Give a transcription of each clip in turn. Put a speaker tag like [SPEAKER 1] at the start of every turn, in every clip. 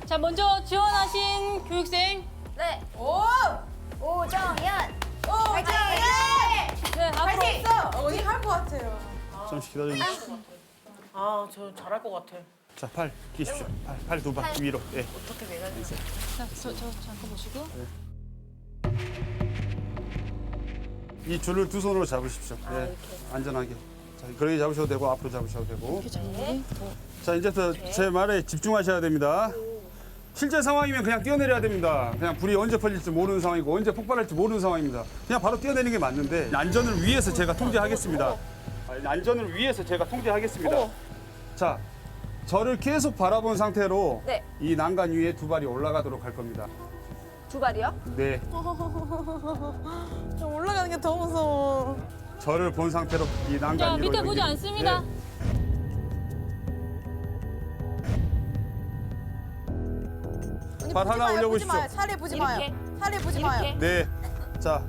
[SPEAKER 1] 자, 먼저 지원하신 교육생.
[SPEAKER 2] 네.
[SPEAKER 3] 오정연.
[SPEAKER 2] 파이팅!
[SPEAKER 1] 네, 앞으로.
[SPEAKER 2] 파이팅!
[SPEAKER 4] 언니 할 것 같아요.
[SPEAKER 5] 잠시 기다려주십시오.
[SPEAKER 4] 아, 저 잘할 것 같아.
[SPEAKER 5] 자, 팔 끼십시오. 팔 두 바퀴 위로. 예.
[SPEAKER 4] 어떻게 매달려?
[SPEAKER 1] 자, 저 잠깐 보시고.
[SPEAKER 5] 이 줄을 두 손으로 잡으십시오. 예. 안전하게. 자, 그렇게 잡으셔도 되고 앞으로 잡으셔도 되고.
[SPEAKER 1] 이렇게 잡는 더.
[SPEAKER 5] 자, 이제부터 제 말에 집중하셔야 됩니다. 실제 상황이면 그냥 뛰어내려야 됩니다. 그냥 불이 언제 퍼질지 모르는 상황이고 언제 폭발할지 모르는 상황입니다. 그냥 바로 뛰어내리는 게 맞는데 안전을 위해서 제가 통제하겠습니다. 안전을 위해서 제가 통제하겠습니다. 자, 저를 계속 바라본 상태로
[SPEAKER 2] 네.
[SPEAKER 5] 이 난간 위에 두 발이 올라가도록 할 겁니다.
[SPEAKER 2] 두 발이요?
[SPEAKER 5] 네,
[SPEAKER 4] 좀 올라가는 게 더 무서워.
[SPEAKER 5] 저를 본 상태로 이 난간
[SPEAKER 1] 자,
[SPEAKER 5] 위로
[SPEAKER 1] 밑에 보지
[SPEAKER 5] 연결-
[SPEAKER 1] 않습니다.
[SPEAKER 5] 네. 발 하나 올려보십시오.
[SPEAKER 4] 살에 보지
[SPEAKER 2] 이렇게?
[SPEAKER 4] 마요. 살에 보지
[SPEAKER 2] 이렇게?
[SPEAKER 4] 마요.
[SPEAKER 5] 네, 자.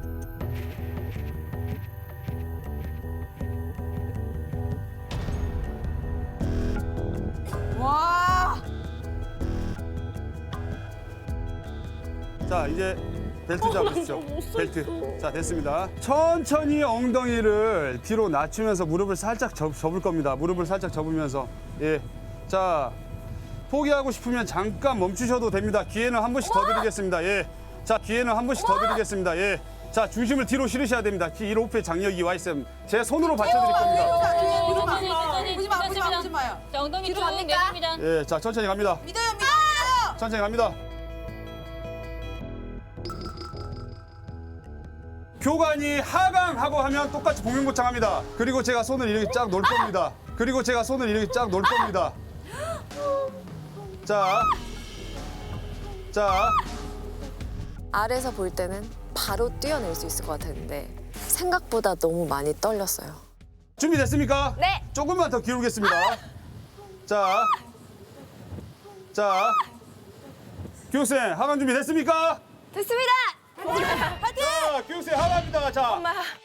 [SPEAKER 4] 와.
[SPEAKER 5] 자, 이제 벨트 잡으십시오. 벨트. 자, 됐습니다. 천천히 엉덩이를 뒤로 낮추면서 무릎을 살짝 접을 겁니다. 무릎을 살짝 접으면서. 예. 자, 포기하고 싶으면 잠깐 멈추셔도 됩니다. 기회는 한 번씩 더 드리겠습니다. 예. 자, 기회는 한 번씩 더 드리겠습니다. 예. 자, 중심을 뒤로 실으셔야 됩니다. 이 로프에 장력이 와 있으면 제 손으로 받쳐드릴 겁니다.
[SPEAKER 1] 천천히,
[SPEAKER 4] 보지 마, 보지 마,
[SPEAKER 1] 됐습니다.
[SPEAKER 4] 보지 마요.
[SPEAKER 1] 자, 엉덩이
[SPEAKER 2] 뒤로
[SPEAKER 1] 쭉
[SPEAKER 2] 갑니까?
[SPEAKER 1] 내립니다.
[SPEAKER 5] 예, 자, 천천히 갑니다.
[SPEAKER 4] 믿어요, 믿어요.
[SPEAKER 5] 천천히 갑니다. 교관이 하강하고 하면 똑같이 복면고창합니다. 그리고 제가 손을 이렇게 쫙 놓을 겁니다. 그리고 제가 손을 이렇게 쫙 놓을 겁니다. 자,
[SPEAKER 6] 아래서 볼 때는 바로 뛰어낼 수 있을 것 같았는데 생각보다 너무 많이 떨렸어요.
[SPEAKER 5] 준비됐습니까?
[SPEAKER 2] 네.
[SPEAKER 5] 조금만 더 기울겠습니다. 자, 교육생 하강 준비됐습니까?
[SPEAKER 2] 됐습니다.
[SPEAKER 5] 자, 교육생 하강입니다. 자,